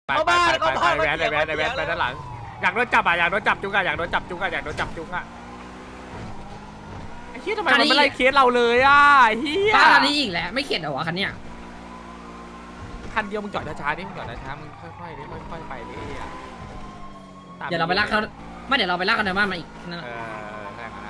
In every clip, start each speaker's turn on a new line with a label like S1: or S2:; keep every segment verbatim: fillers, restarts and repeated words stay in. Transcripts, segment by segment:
S1: ไปไปไปไปแวนไปแวนไปแวนไปด้านหลังอยากโดนจับอ่ะอยากโดนจับจุกอ่ะอยากโดนจับจุกอ่ะอยากโดนจับจุกอ่ะไอ้เหี้ยทำไมมันไม่ไล่เคสเราเลยอ่ะเหี้ย
S2: บ้านนี้อีกแล้วไม่เข็ดเหรอวะคันเนี้ย
S1: คันเดียวมึงจอดช้าๆดิมึงจอดช้าๆมึงค่อยๆดิค่อยๆไปดิอ่ะ
S2: เดี๋ยวเราไปลากเขาไม่เดี๋ยวเราไปลากกันในบ้านมาอีกนั่น
S1: เออใช่ครับ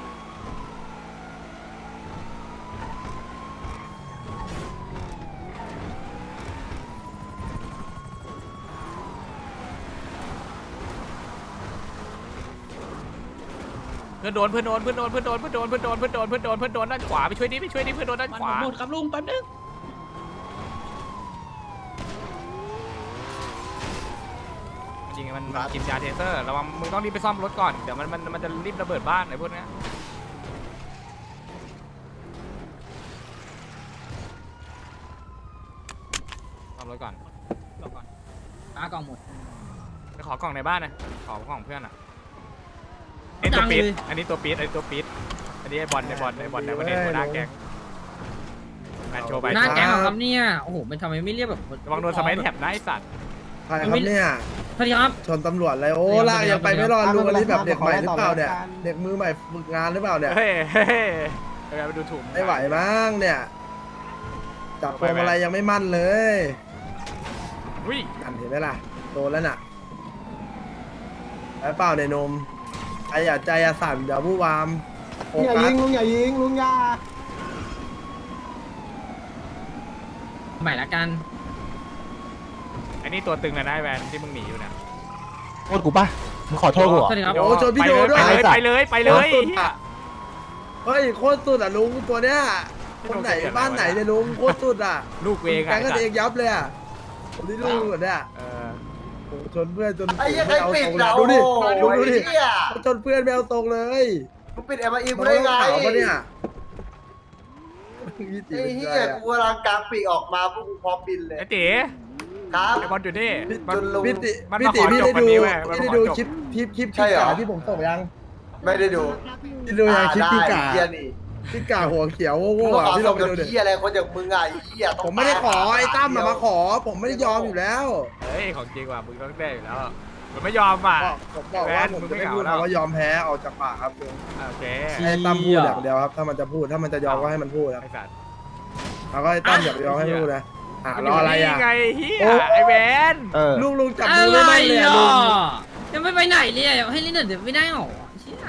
S1: เพื่อนโดนเพื่อนโดนเพื่อนโดนเพื่อนโดนเพื่อนโดนเพื่อนโดนเพื่อนโดนเพื่อนโดนเพื่อนโดนด้านขวาไปช่วยดิไปช่วยดิเพื่อนโดนด้านขวา
S3: หมดครับลุงแป๊บนึง
S1: จริงๆมันมันกินยาเทเซอร์ระวังมึงต้องรีบไปซ่อมรถก่อนเดี๋ยวมันมันมันจะรีบระเบิดบ้านไอ้พวกเนี้ยซ่อมรถก่อนซ่อมก่อน
S2: ลากกล่องหมด
S1: ไปขอกล่องในบ้านนะขอกล่องเพื่อนอ่ะไอ้ตัวปี๊ดอันนี้ตัวปี๊ดอันนี้ตัวปี๊ดอันนี้ไอ้บอลไอ้บอลไอ้บอลในวันนี้หัวหน้าแก๊งแมนโชว์ไป
S2: หน้าแก๊งเหรอครับเนี่ยโอ้โหมันทำไมไม่เรียกแบบ
S1: ระวังโดนสมัยแถบนะไอ้สัตว์
S4: ใครครับเนี่ย
S2: สวัสดีครับ
S4: ชนตำรวจเลยโอ้ลากยังไปไม่รอดลุงอันนี้แบบเด็กใหม่หรือเปล่าเนี่ยเด็กมือใหม่ฝึกงานหรือเปล่าเนี่ย
S1: เฮ้ยเฮ้ยเฮ้ยไปดูถูก
S4: ไม่ไหวมั้งเนี่ยจับพวงมาลัยยังไม่มั่นเลย
S1: อุ้ย
S4: อันเห็นไหมล่ะโดนแล้วน่ะแล้วเปล่าเนี่ยนมไอ้อย่าใจอย่าสั่นเดี๋ยวผู้วามโฟ
S5: อย่า
S4: กั
S5: ยิ
S4: ส
S5: งลุงอย่ายิงลุงอย่า
S2: ใหม่ละกัน
S1: อันนี้ตัวตึงเลยนะไอ้แวนที่มึงหนีอยู่เนี่ย
S6: โทษกูป่ะมึงขอโทษกูเหรอ
S2: สวัสดีครับ
S4: โอ้ชนพี่โดด้วย
S1: ไปเลยไปเลยไปเลย
S4: เฮ้ยโคตรสุดอ่ะลุงตัวเนี้ยคนไหนบ้านไหนเนี่ยลุงโคตรสุดอ่ะ
S1: ลูกเวง
S4: แกงกันเองยับเลยอ่ะคนที่ลุงหมดเนี่ย
S1: เออ
S4: โอ้ชนเพื่อนจน
S7: ไอ้ยัง
S4: ไม่
S7: ไง
S4: เอา
S7: ปิด
S4: ตรง
S7: เห
S4: เล
S7: ราย
S4: ดูดิ
S7: โอ้
S4: ดู
S7: ย
S4: ดูดิ
S7: เหี้ย
S4: ชนเพื่อนไม่เอาตรงเลย
S7: มึงปิดเอ็มไอ
S4: มัน
S7: ได้
S4: ต้อง
S7: ไง
S4: ขาวปะเนี่ยยี่สิบ
S7: ไอ้
S4: เป็น
S7: เหี้
S4: ไง
S7: ย
S4: อะ
S7: กูกำลังกลางปีกออกมาพวกกูพร้อมบินเลย
S1: ไอ้ตี
S7: ครับ
S1: ไอ้บอลอยู่นี่มัน
S7: จนลุง
S4: พี่ติ
S1: มัน
S4: พี่
S1: มา
S4: ติ
S1: ขอ
S4: พี่
S1: จบ
S4: ได้
S1: วัน
S4: ดู
S1: นี้เว้ยมัน
S4: พี่
S1: มา
S4: ได้
S1: ขอ
S4: ดู
S1: จบ
S4: คลิปคลิปคลิป
S7: ใช่เหรอ
S4: กาที่ผมส่งยัง
S7: ไม่ได้ดู
S4: พี่ดูยังคลิปพี่กา
S7: เหี้ยนี่
S4: พี่กาหัวเขียว
S7: มึ
S4: โง่
S7: ง
S4: ๆ
S7: ก็
S4: อ่ะ
S7: ขอ
S4: พี่ล
S7: ส่
S4: อง งไป
S7: กับ
S4: ดูดิ
S7: เหี้ยอะไรคนอย่างมึงอ่ะไอ้เหี้ย
S4: ผมไม่ได้ขอไอ้ตั้มมาขอ ผมไม่ได้ยอมอยู่แล้ว
S1: เฮ้ยของจริงว่ะมึงต้องได้อยู่แล้วมันไม่ยอมอ่ะ
S4: ผมบอกว่าผมจะไม่พูดคำว่ายอมแพ้ออกจากปากครับ
S1: โอเค
S4: ให้ตั้มพูดอย่างเดียวครับถ้ามันจะพูดถ้ามันจะยอมก็ให้มันพูดครับ
S1: ไอ้สัตว์
S4: แล้วก็ให้ตั้มอย่าไปยอมให้พูดนะอ่ะรออะไรอ่ะ
S1: ไงเฮียไอ้แวน
S6: เออ
S4: ลุงลุงจับ
S2: อะ
S4: มือ
S2: ไร
S4: ไม่ได้เลย
S2: อ่ะ
S4: ลุง
S2: ยังไม่ไปไหนเลยให้เล่นเดี๋ยวไม่ได้หรอเชี่ย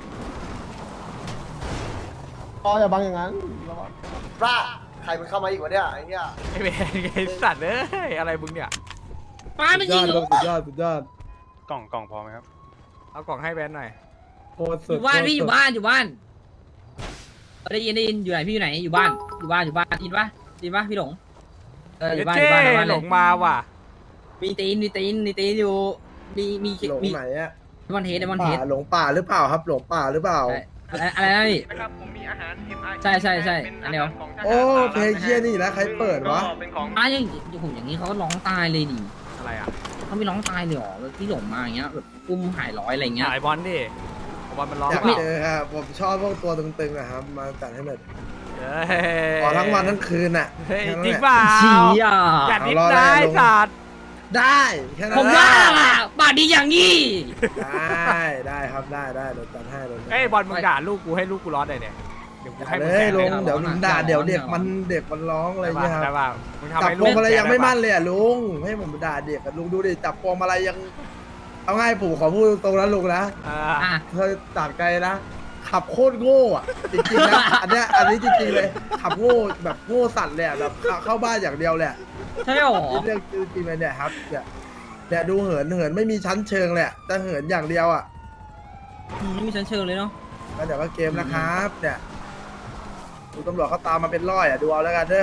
S5: อ๋ออย่าบังอย่างนั้น
S7: ว่าใครมันเข้ามาอีกวะเนี่ยไอ้เหี้ย
S1: ไอ้แวนไอ้สัตว์เอ้ยอะไรมึงเนี่ย
S2: ป้า
S4: สุ
S2: ไม่
S4: ด
S2: จ
S4: ย
S2: ริ
S4: อง ดลุงสุดยอดสุดยอด
S6: กล่องกล่องพอไหมครับ
S1: เอากล่องให้แวนหน่อย
S4: โคตร
S2: อ
S4: สุด
S2: ยู่บ้านพี่อยู่บ้านอยู่บ้านได้ยินได้ยินอยู่ไหนพี่อยู่ไหนอยู่บ้านอยู่บ้านอยู่บ้านยินปะยินปะพี่หลงเอออยู่บ้านอ
S1: เจ๊
S2: ยู่บ้านอยู่บ้าน
S1: ห
S2: เล
S1: ล
S2: ย
S1: งมาว่ะ
S2: มีตีนมีตีนมีตีนอยู่มีมี
S4: หลง
S2: มี
S4: ไหนอ่ะ
S2: มอนเทสมอนเท
S4: ป่า
S2: ส
S4: หลงป่าหรือเปล่าครับหลงป่าหรือเปล่า
S2: อะไรอะไรนะพี่
S8: นะครับผมมีอาหาร เอ็ม ไอ
S2: ใช่ใช่ใช่อันเดียว
S4: โอ้เพลงเชี่ยนี่นะใครเปิดวะ
S8: ก็เป็นของ
S2: อ่ะอย่างผมอย่างนี้เขาก็ร้องตายเลยดิ
S1: อะไรอ่ะ
S2: เขาไม่ร้องตายเลยหรอแบบที่หลงมาอย่างเงี้ยแบบอุ้มหายร้อยอะไรเงี้ย
S1: หายบอลดิบอลมันร้อง
S4: อยาก
S1: เปล่า
S4: เจอครับผมชอบพวกตัวตึงๆนะครับมาจัดให้หน่อย
S1: เฮ้ย
S4: ขอทั้งวันทั้งคืนอ่ะ
S1: เฮ้ย
S4: แค่นั้น
S1: จริง
S4: แหละ
S1: เปล่า
S2: ชี้อ่ะ
S1: อย่าดิ้น
S4: เอารอ
S1: ได้
S4: ได้ลง
S1: สัตว์
S4: ได้แค่นั้น
S2: ผมว่าอ่ะบาดดีอย่างงี้
S4: ได้ได้ครับได้ได้เดี๋ยวจัดให้เลย
S1: เอ้ยบอลมึงด่าลูกกูให้ลูกกูร้อนเลยเนี่ยเดี๋ยวกูให้
S4: เล
S1: มึงแส
S4: ย
S1: น
S4: ล
S1: เลย
S4: งเดี๋ยวมึงด่าเดี๋ยวเด็กมันเด็กมันร้องอะไร
S1: ได้
S4: เงี้
S1: ป่ะ
S4: ยค
S1: ได้
S4: รับ
S1: ป่ะมึงทำ
S4: จับ
S1: ให้
S4: พ
S1: ลู
S4: วง
S1: ก
S4: มาลัยยังไม่มั่น
S1: แส
S4: เลยอ่ะลุงให้ผมด่าเด็กอะลุงดูดิจับพวงมาลัยยังเอาง่ายผมขอพูดตรงๆนะลุงนะ
S1: เออ
S2: อ่ะ
S4: เธอตัดไกลนะขับโคตรโง่อะจริงๆนะอันเนี้ยอันนี้จริงๆเลยขับโง่แบบโง่สัตว์เลยอะแบบเข้าเข้าบ้านอย่างเดียวเลยอะ
S2: ใช่หรอ
S4: เรื่องจริงๆเลยเนี่ยครับเนี่ยเนี่ยดูเหินเหินไม่มีชั้นเชิงเลยอะแต่เหินอย่างเดียวอ่ะ
S2: อืมไม่มีชั้นเชิงเลยเนาะ
S4: แล้วเดี๋ยวก็เกมนะครับเนี่ยดูตำรวจเขาตามมาเป็นร้อยอ่ะดูเอาแล้วกันเด้อ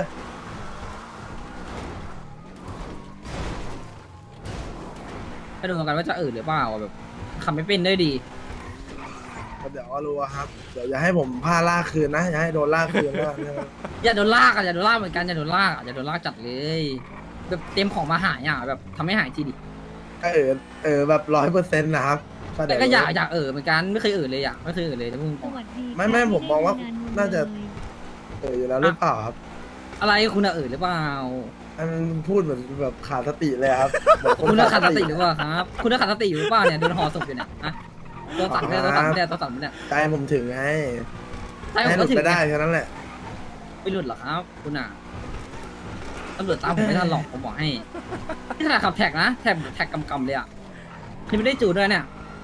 S2: ไปดูกันว่าจะเอ่ยหรือเปล่าแบบขับไม่เป็นได้ดี
S4: เดี๋ยวก็รู้อะครับเดี๋ยวอย่าให้ผมพาล่ากคืนนะอย่าให้โดนล่ากคืนนะ
S2: อย่าโดนลากอ่ะอย่าโดนลากเหมือนกันอย่าโดนลากอ่ะอย่าโดนลากจัดเลยแบบเตรียมของมาหายอ่ะแบบทำให้หายทีดิ
S4: ก็เออเออแบบร้อยเปอร์เซ็นต์นะครับ
S2: แต่ก็อยากอยากเอ่ยเหมือนกันไม่เคยเอ่ยเลยอ่ะไม่เคยเอ่ยเลยนะมึง
S4: ไม่ไม่ผมมองว่าน่าจะเอออยู่แล้วหรือเปล่าครับ
S2: อะไรคุณอะเอ่ยหรือเปล่า
S4: อันพูดเหมือนแบบขาดสติเลยครับเหมือน
S2: คุณน่าขาดสติหรือเปล่าครับ คุณน่าขาดสติอยู่หรือเปล่าเนี่ยโดนห่อศพอยู่เนี่ยอะตัวสั่นเนี่ยตัวสั่นเนี่ยตัวสั่นเนี่ย
S4: ใจผมถึงไง
S2: ใช่ผ
S4: ให้
S2: ม
S4: หลุ
S2: ก็
S4: ด
S2: ถึง
S4: ไปได้
S2: ไง
S4: แค่นั้นแหละ
S2: ไม่หลุดหรอกครับ คุณอ่ะตำรวจตามผมไม่ทันหรอกผมบอกให้นี่ขนาดขับแท็กนะแท็กแท็กกำๆเลยอ่ะนี่ไม่ได้จูดด้วยเนี่ย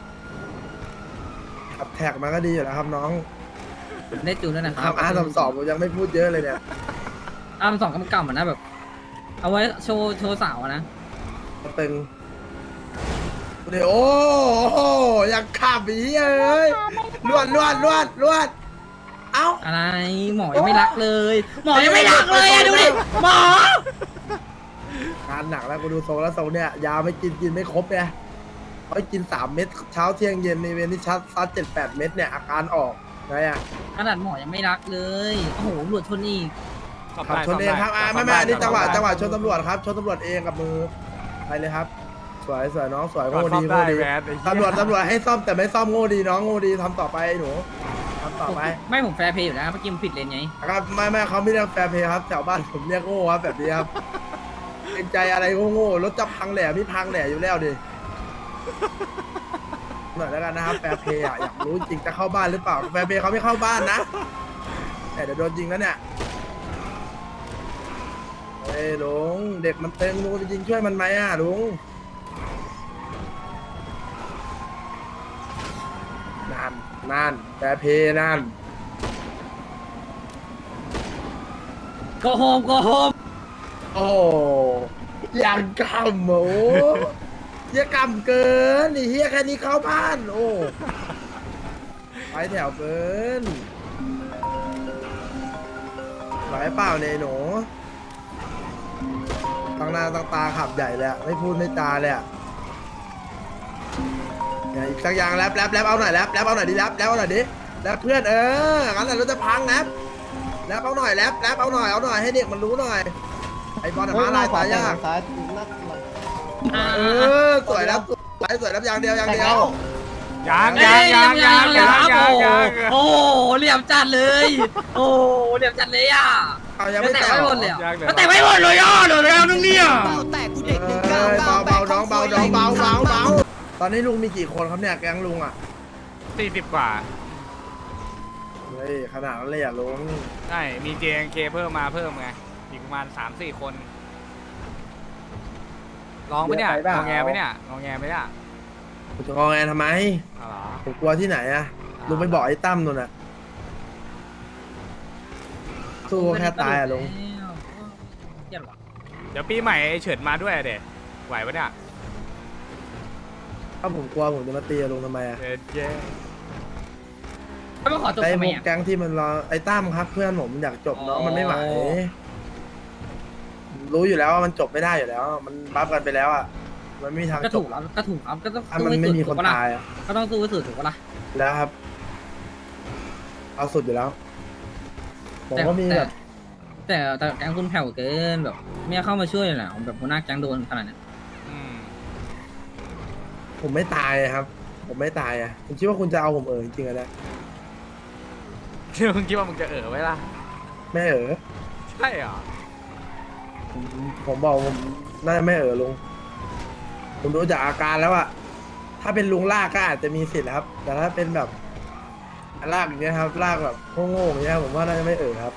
S4: ขับแท็กมาก็ดีอยู่แล้วครับน้อง
S2: ไม่ได้จูดด้วยนะค
S4: ขั
S2: รั
S4: บบ อาร์สามสองผมยังไม่พูดเยอะเลยเนี่ย
S2: อาร์มสองกำๆอ่ะนะแบบ เอาไว้โชว์โชว์สาวอะนะ
S4: ตึงเดี๋ยวโอ้โหอยากขับอีเลยลวดลวดลวดลวดเอ้า
S2: อะไรหมอยังไม่รักเลย หมอยังไม่รักเลยอะดูดิหมอ
S4: การหนักแล้วกูดูทรงแล้วทรงเนี่ยยาไม่กินกินไม่ครบเนี่ยเขาให้กินสามเม็ดเช้าเที่ยงเย็นในเวรที่ชัดซัดเจ็ดแปดเม็ดเนี่ยอาการออกไงอ่ะ
S2: ขนาดหมอยังไม่รักเลยโอ้โหตำรวจชนอีก
S1: ซ่อม
S4: ขับ
S1: ได้
S4: ชนเองครับอ่า
S1: ซ่
S4: ไม่
S1: ม
S4: ไม่
S1: ด้
S4: อันนี้จังหวะ
S1: ซ่อมได้
S4: จังหวะชนตำรวจครับชนตำรวจเองกับมือไปเลยครับ สวยสวยน้องสวย
S1: ก่อน
S4: โง่
S1: ซ่อ
S4: ดี
S1: ม
S4: โง่
S1: ได้
S4: ดี
S1: แหวนไอ้เหี้ย
S4: ตำรวจตำรวจให้ซ่อมแต่ไม่ซ่อมโง่ดีน้องโง่ดีทำต่อไปหนูทำต่อไป
S2: ไม่ผมแฟร์เพย์อยู่แล้วเมื่อกี้ผมผิดเลนไง
S4: ครับไม่ไม่เขาไม่เรียกแฟร์เพย์ครับแถวบ้านผมเรียกโง่ครับแบบนี้ครับเป็นใจอะไรโง่ๆรถจะพังแหล่ไม่พังแหล่อยู่แล้วดิหน่อยแล้วกันนะครับแฟร์เพย์อ่ะอยากรู้จริงจะเข้าบ้านหรือเปล่าแฟร์เพย์เขาไม่เข้าบ้านนะแต่เดี๋ยวโดนยิงแล้วเนี่ยเฮ้ยลุงเด็กมันเต็งลุงจะยิงช่วยมันไหมอ่ะลุงนั่นนั่นแฟร์เพย์นั่น
S2: โกโฮมโกโฮม
S4: โอ้ยังกำโอ้เฮียกำเกินนี่เฮียแค่นี้เข้าบ้านโอ้ไปแถวเกินไหวเปล่าเนี่ยหนูตั้งหน้าตั้งตาขับใหญ่เลยอะไม่พูดไม่จาเลยอะเนี่ยอีกสักอย่างแรปแรปแรปเอาหน่อยแรปแรปเอาหน่อยดิแรปแรปเอาหน่อยดิแรปเพื่อนเอองั้นแหละเราจะพังแรปแรปเอาหน่อยแรปแรปเอาหน่อยเอาหน่อยให้เด็กมันรู้หน่อยไอ้บอลอะมาลายตายยาก
S5: ซ้ายนัก
S4: เออสวยแล้วสวยสวยแล้วอย่างเดียวอย่างเดียว
S1: ยัง
S2: เอ้
S1: ยัง
S2: ย
S1: ยังยัง
S2: เลย
S1: ยัง
S2: ครับ
S1: ยัง
S2: โอ้
S1: ยัง
S2: โหโอ้โหเหลี่ยมจัดเลย โอ้โหเหลี่ยมจัดเลยอ่ะ
S4: เอายัง
S2: ไม่
S4: ไม่
S2: แต่
S4: แต่
S2: ไม่
S4: ง
S2: หมดเลยอ่ะ
S1: ยังเลย
S2: แต่ไม่หมดเลยอ่ะเดี๋ยวแล้วนึงเนี่ย
S4: เบาเบาน้องเบาน้องเบาเบาเบาตอนนี้ลุงมีกี่คนครับเนี่ยแก๊งลุงอ่ะ
S1: สี่สิบกว่า
S4: เฮ้ยขนาดนั้นเลยอ่ะลุง
S1: ใช่ มี เจ เอ็น เค เพิ่มมาเพิ่มไง อีกประมาณสามสี่คน ลองไปเนี่ยงอแงไปเนี่ยงอแงไปเนี่ย
S4: ผมจะงอแงทำไม
S1: อ๋อเหรอ
S4: ผมกลัวที่ไหนอ่ะลุงไปบอกไอ้ตั้มนู่นอ่ะสู้แค่ตายอ่ะลุง
S2: เหี้ยหรอ
S1: เดี๋ยวปีใหม่ไอ้เฉิดมาด้วยอะเด็ไหวปะเนี่ย
S4: ถ้าผมกลัวผมจะมาตีลุงทำไมอ่ะ
S1: เด็ดเย้
S2: ไม่มาขอจบ
S4: ไอ้
S2: ทำ
S4: พ
S2: ไม
S4: วก
S2: อ่ะ
S4: แก๊งที่มันรอไอ้ตั้มครับ เพื่อนผมอยากจบน้องมันไม่ไหว
S2: อ๋อ
S4: รู้อยู่แล้วว่ามันจบไม่ได้อยู่แล้ว มันบัฟกันไปแล้วอ่ะมันไม่มีทาง
S2: ก็
S4: จ
S2: ถู
S4: บ
S2: กแล้วก็ถูกครับก็ต้อง
S4: ถ้า
S2: สู้
S4: มัน
S2: ให้
S4: ไม่
S2: สุด
S4: มี
S2: ถู
S4: ค
S2: ก
S4: น
S2: ปะล่ะ
S4: ตายอ่ะ
S2: ก็ต้องสู้ให้สุดถูกปะล่ะ
S4: แล้วครับ เอาสุดอยู่แล้ว ผม
S2: แต่
S4: ก็มีแบบ
S2: แต่แต่แก๊งคุณแผ่วเกินแบบไม่เข้ามาช่วยเลยนะแบบหัวหน้าแก๊งโดนขนาดนั้น
S1: อืม
S4: ผมไม่ตายครับ ผมไม่ตายอ่ะคุณคิดว่าคุณจะเอาผมเออจริงๆอะนะ
S1: เดี๋ยวมึงคิดว่ามึงจะเออไว้ล่ะ
S4: ไม่เออ
S1: ใช่เหรอ
S4: ผมผมบอกผมน่าจะไม่เออลุงผมดูจากอาการแล้วอะถ้าเป็นลุงลากก็อาจจะมีสิทธิ์ครับ แต่ถ้าเป็นแบบลากอย่างเงี้ยครับลากแบบโง่ๆอย่างเงี้ยผมว่าน่าจะไม่เออครับ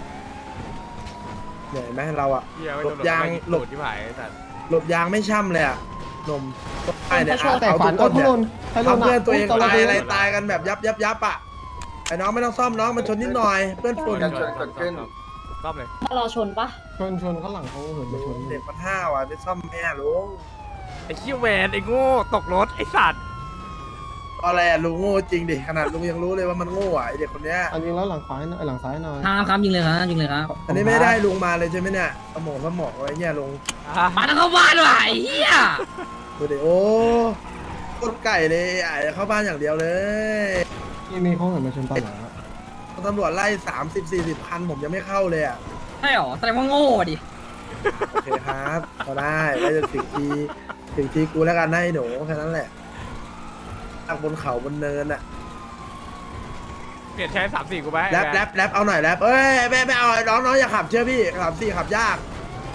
S4: เหนื่อยไหมเราอะ
S1: เฮียไว้
S4: หล
S1: ตำ
S4: บ
S1: รวจ
S4: ยาง
S1: ไม่ห
S4: หล
S1: ล
S4: บ
S1: บที่ผายไอ้สัตว์
S4: หลบยางไม่ช่ำเลยอะนมต้นไม้เนี่ย
S5: แต่
S4: เอา
S5: ฝั
S4: ทุ
S5: น
S4: ก
S5: ก็
S4: ต้น
S5: ทุ
S4: เนี่ย
S5: รนให้ลุ
S4: ทำเพื่อนตัวเอง
S5: ต
S4: ตาย
S5: อะ
S4: อะไรตายกันแบบยับยับยับอะไอ้น้องไม่ต้องซ่อมน้องมันชนนิดหน่อยเพื่อนฝุ่น
S7: การชนเกิดขึ้น
S1: ซ่อมเลย
S3: รอชนปะ
S5: ชนชนข้างหลังเขาเหินไปชน
S4: เด็กมันห้าวอะไปซ่อมแม่ลุง
S1: ไอ้เขี้ยวแวนไอ้โง่ตกรถไอ้สัตว์
S4: อะไรอะลุงโง่จริงดิขนาดลุงยังรู้เลยว่ามันโง่อะไอเด็กคนเนี้ย
S5: อันนี้แล้วหลังขวาหน่อยหลังซ้ายหน่อย
S2: ครับครับยิงเลยครับยิงเลยครับ
S4: อันนี้ไม่ได้ลุงมาเลยใช่ไหมเนี่ยสมองสมองอะไรเงี้ยลุง
S1: อ่ะ
S2: มาแล้วเข้าบ้านว่ะไอ้เหี้ย
S4: ดูดิโอ้โคตรไก่เลยไอ้เข้าบ้านอย่างเดียวเลย
S5: ที่มีเขาเหินมาชนตอนไหนอะ
S4: ตำรวจไล่สามสิบสี่สิบคันผมยังไม่เข้าเลยอ่ะ
S2: ใช่หรอแสดงว่าโง่ดิ
S4: โอเคครับก็ได้ได้จะถึงทีถึงทีกูแล้วกันนะไอ้หนูแค่นั้นแหละตั้งบนเขาบนเนินอ่ะ
S1: เปลี่ยนใช้สามสี่กูไป
S4: แรปแรปแรปเอาหน่อยแรปเอ้ยไม่ไม่เอาน้องน้องอย่าขับเชื่อพี่สามสี่ขับยาก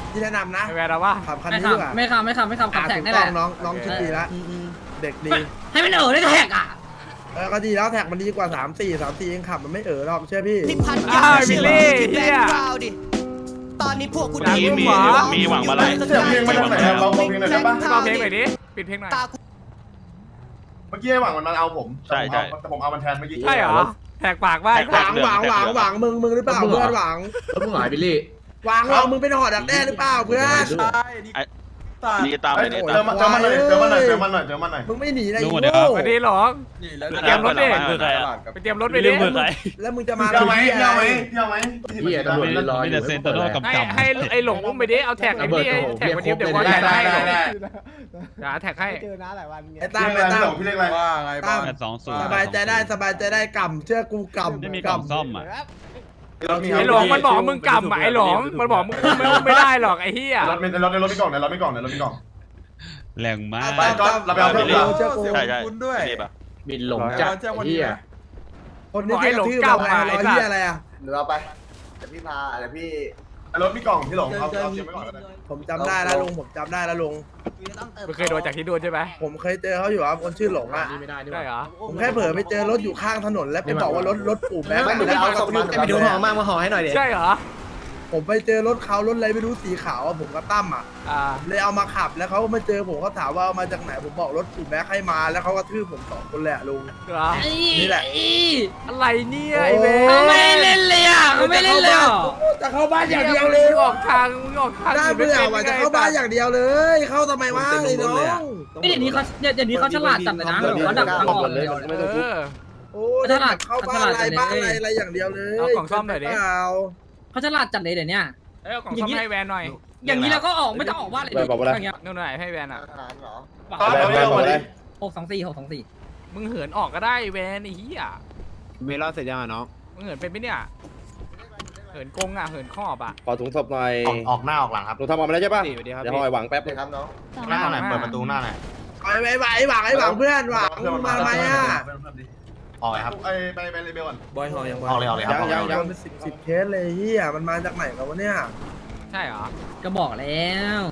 S4: ที่แนะนำนะ
S1: ไอแวนเอาว่า
S4: ขับคัน
S2: ไม่
S4: นี้ดีกว่า
S2: ทำไม่ทำไม่ทำไม่ทำขับแท็ก
S4: ถูก
S2: นี่
S4: ต้
S2: แห
S4: อ
S2: ละ
S4: งน้องน้องชุดดีละเด็กดี
S2: ให้มันเออได้แท็กอ่ะ
S4: เออก็ดีแล้วแท็กมันดีกว่าสามสี่สามสี่เองขับมันไม่เออหรอกเชื่อพี่
S3: ที่พัน
S1: อ้าวบิลลี่
S3: แบ็
S1: เฮี
S3: ค
S1: ย
S3: กราวด์ดิ ตอนนี้พวกกู
S1: มีมีมีหวังมาลัย
S8: เสียงเพลงมาจากไหนครับเราเพลงหน่อยได้ปะ
S1: เบาเพลงหน่อยดิปิดเพลงหน่อย
S3: ตากู
S8: เมื่อกี้ไอ้หวังมันเอาผม
S6: ใช่ใช่
S8: แต่ผมเอามันแทนเมื่อกี้
S1: ใช่เหรอแหกปากว่า
S4: หวังหวังหวังหวังมึงมึงหรือเปล่าเพื่อนหวัง
S9: แล้วมึงหายบิลลี่
S4: หวังหวังมึงเป็นหอดักแด้หรือเปล่าเพื่อน
S6: นี่ตามเลยนี่
S8: เจ
S6: ตา
S8: อ
S6: ม
S8: มันเจอมันหน่อยเจอมันหน่อยเจอมันหน่อยเจอมันหน่อย
S4: มึงไม่หนีนะ
S6: ลุ
S4: อี
S6: ง
S4: โง่
S6: เดี๋ยวครับ
S1: สวัสดีหรอไปเตรียมรถดิไปเตรียมรถไปดิ
S4: แล้วมึงจะมา
S8: เที่ยวไหม
S4: ที่
S8: เที่ยวไหม
S4: อะไร
S8: เที่ยวไหม
S9: เฮียตำรวจยืนรออยู่
S1: ให้ให้ไอหลงอุ้มไปดิเอาแท็กไอ้นี่แท็กวันนี้เดี๋ยวก่อน
S8: ได้
S1: แท็ก
S8: ได้
S1: ให้
S8: ได้ได้
S1: เดี๋ยวแท็กให้
S5: เจอน้าหลายวันไง
S4: ไอ้
S8: ตั้
S4: ตั้
S8: ง
S4: ม
S8: เล
S4: ไอ้
S8: ย
S4: ตั้
S8: ตั้
S4: ม
S8: งพี่เล็กอะไร
S4: ตั้ม
S6: สองศูนย์
S4: สบายใจได้สบายใจได้กำเชื่อกูกำ
S6: ไม่มีกล่องซ่อมอ่ะ
S1: ไอหลงมันบอกมึงกำอ่ะไอหลงมันบอกมึงไม่ไม่ได้หรอกไอ้เหี้ย
S8: รถในรถในรถมีกล่องในรถมีกล่องในรถมีกล่อง
S6: แรงมาก
S8: ไปก็เราไปเอาเพิ่ม
S4: เชื่อกู
S6: ใช่ใช่รีบอ่ะ
S9: บินหลงจัดเฮีย
S4: คนนี้ที่กระทืบเราไงรอยเหี้ยอะไรอ่ะ
S7: หรือเอาไปเดี๋ยวพี่พาเดี๋ยวพี่
S8: รถมีกล่องพี่หลงเอาเอาเก็บไว้ก่อนก็ได้
S4: ผมจำได้แล้วลุงผมจำได้แล้วลุง
S1: มึงเคยโดนจากที่โดนใช่ไหม
S4: ผมเคยเจอเขาอยู่ครับคนชื่อหลงอ่ะ
S9: นี่ไม่ได้นี่
S1: ได้เหรอ
S4: ผมแค่เผลอไปเจอรถอยู่ข้างถนนแล้วไปบอกว่ารถรถปู่แม่
S7: ไม่หนูไปเอาศพมัน
S4: ไปดูหอมาก
S1: ใช่เหรอ
S4: ผมไปเจอรถเขารถอะไรไม่รู้สีขาวอะผมกับตั้มอ่ะ
S1: อ่า
S4: เลยเอามาขับแล้วเขาก็มาเจอผมเขาถามว่าเอามาจากไหนผมบอกรถปู่แม่ให้มาแล้วเขาก็ทืบผมสองคนแหละลุง
S1: เหรอ
S4: นี่แหละ
S1: อะไรเนี่ยไอ้เว้
S2: เขาไม่เล่นเลยอ่ะเขาไม่เล่นเลยอ่ะ
S4: จะเข้าบ้านอย่างเดียวเลย
S1: มึงออกทางมึงออกทาง
S4: น่าเบื่อว่ะจะเข้าบ้านอย่างเดียวเลย เข้าทำไมวะไอ้น้อง
S2: เดี๋ยวนี้เขาเดี๋ยวนี้เขาฉลาดจัดเลยนะเขาดักทางออกเลย
S1: เออ
S4: โอ้ยเข้าบ้านอะไรบ้านอะไรอะไรอย่างเดียวเลย
S1: เอากล่องซ่อมหน่อยดิ
S4: เปล่า
S2: เขาฉลาดจัดเลยเดี๋ยวนี้
S1: เอ้ยเอากล่องซ่อมให้แวนหน่อย
S2: อย่างนี้เราก็ออกไม่ต้องออกบ้านเลยอย่างเงี้ย
S1: นู่นหน่อยให้แวนอ่ะ
S7: อาหารเหรอ
S2: หกสองสี่หกสองสี่
S1: มึงเหินออกก็ได้แวนไอ้เหี้ย
S9: เมลอนเสร็จยังอ่ะน้อง
S1: มึงเหินเป็นไหมเนี่ยเหินกงอ่ะเหินขอบอ่ะ
S10: ขอถุงศพหน่อย
S6: ออกหน้าออกหลังครับ
S10: หนูทำออกมาแล้วใช่ป่ะ
S9: สวัสดีครับ
S10: เดี๋ยวหอยหวังแป๊บ
S7: เดี๋ยวครับน้อง
S6: หน้าไหนเปิดประตูหน้าไหน
S4: ไอ้ไอ้ไอ้หวังไอ้หวังเพื่อนหวังมึงมาทำไมอ่ะ
S6: ออกเลยครับ
S8: ไปไปไปเลเบลก่อน
S10: บอยหอยยัง
S6: ออกเลยออกเลยครับ
S4: ยังยังเป็นสิบสิบเคสเลยเฮียมันมาจากไหนกันวะเนี่ย
S1: ใช่เหรอ
S2: ก็บอกแล้ว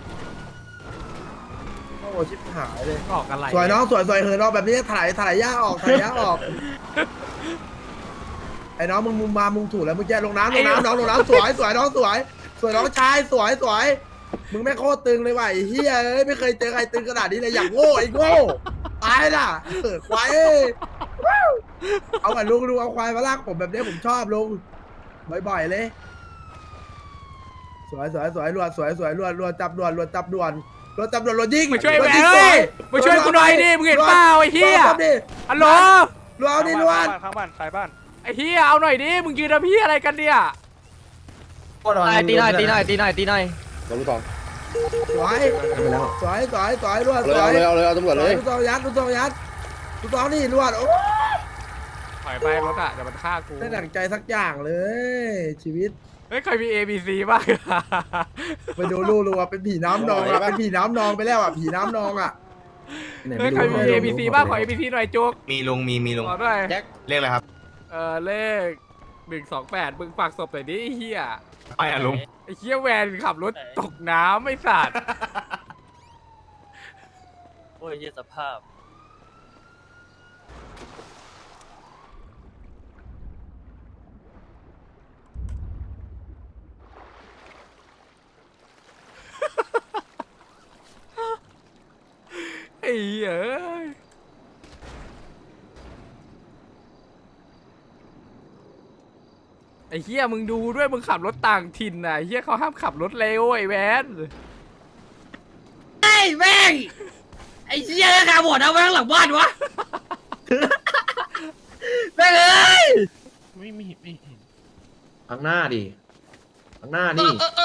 S4: โอ้ชิบหายเลย
S1: ออกอะไร
S4: สวยน้องสวยสวยเหินออกแบบนี้ถ่ายถ่ายย่าออกถ่ายย่าออก ไอ้น้องมึงมึงมามึงถูกแล้วมึงแย่ลงน้ำลงน้ำน้องลงน้ำสวยสวยน้องสวย สวยน้องชายสวยสวยมึงไม่โคตรตึงเลยว่ะไอ้เฮียเอ้ยไม่เคยเจอใครตึงขนาดนี้เลยอย่างโง่ไอ้โง่ตายน่ะเออควายเอ้ยเอากับลุงลุงเอาควายมาลากผมแบบนี้ผมชอบลุงบ่อยๆเลย สวยสวยสวยรวดสวยสวยรวดรวดจับด่วนรวดจับด่วนรวดจับด่วนรวดยิง
S1: มาช่วย
S4: ร
S1: แว
S4: ด
S1: น
S4: ยิง
S1: เฮ้ย
S4: สว
S1: มาช่วยกูหน่อยดิมึงเห็นเปล่าไอ้เหี้ย
S4: รวดดิ
S1: ฮัลโหล
S4: รวดเอาดิรวด
S6: ข้างบ้านใครบ้าน
S1: ไอ้เหี้ยเอาหน่อยดิมึงยืนทำพี่อะไรกันเนี่ย
S9: ตีหน่อยตีหน่อยตีหน่อยตีหน่อย
S10: เราลูกทอง
S4: สวยสวยสวยสวยรวดส
S10: เอา
S4: วย
S10: เลยเอาเลยเอาตำรวจเลย
S4: ลูกซองยัดลูกซองยัดลูกซองนี่รวดโอ้
S1: ถอยไปรถอ่ะเดี๋ยวมันฆ่ากู
S4: ได้ดั่งใจสักอย่างเลย ชีวิต
S1: เฮ้ยเคยมี A B C บ้าง
S4: ไปดูลูกลูกเป็นผีน้ำนองอะเป็นผีน้ำนองไปแล้วอ่ะผีน้ำนองอ่ะ
S1: เฮ้ยเคยมี A B C บ้างขอ A B C หน่อยจุก
S6: มีลุงมีมีลุง
S1: ขอด้วย
S6: เรียกอะไรครับ
S1: เออเลขหนึ่งสองแปดมึงฝากศพหน่อยดิไอ้เหี้ย
S6: ไปอ่ะลุง
S1: ไอ้เหี้ยแวนขับรถตกน้ำไม่สัตว์
S9: โอ้ยเยี่ยสภาพ
S1: ไอ้เหี้ยเอ้ยไอ้เหี้ยมึงดูด้วยมึงขับรถต่างถิ่นน่ะไอ้เหี้ยเขาห้ามขับรถเร็วไอ้แวน
S2: ไอ้แม่งไอ้เชี่ยขาบอดเอาไว้ข้างหลังบ้านวะแม่งเอ้ย
S6: ไม่ไม่ไม่เห็น
S9: ข้างหน้าดิข้างหน้านี่
S2: เออ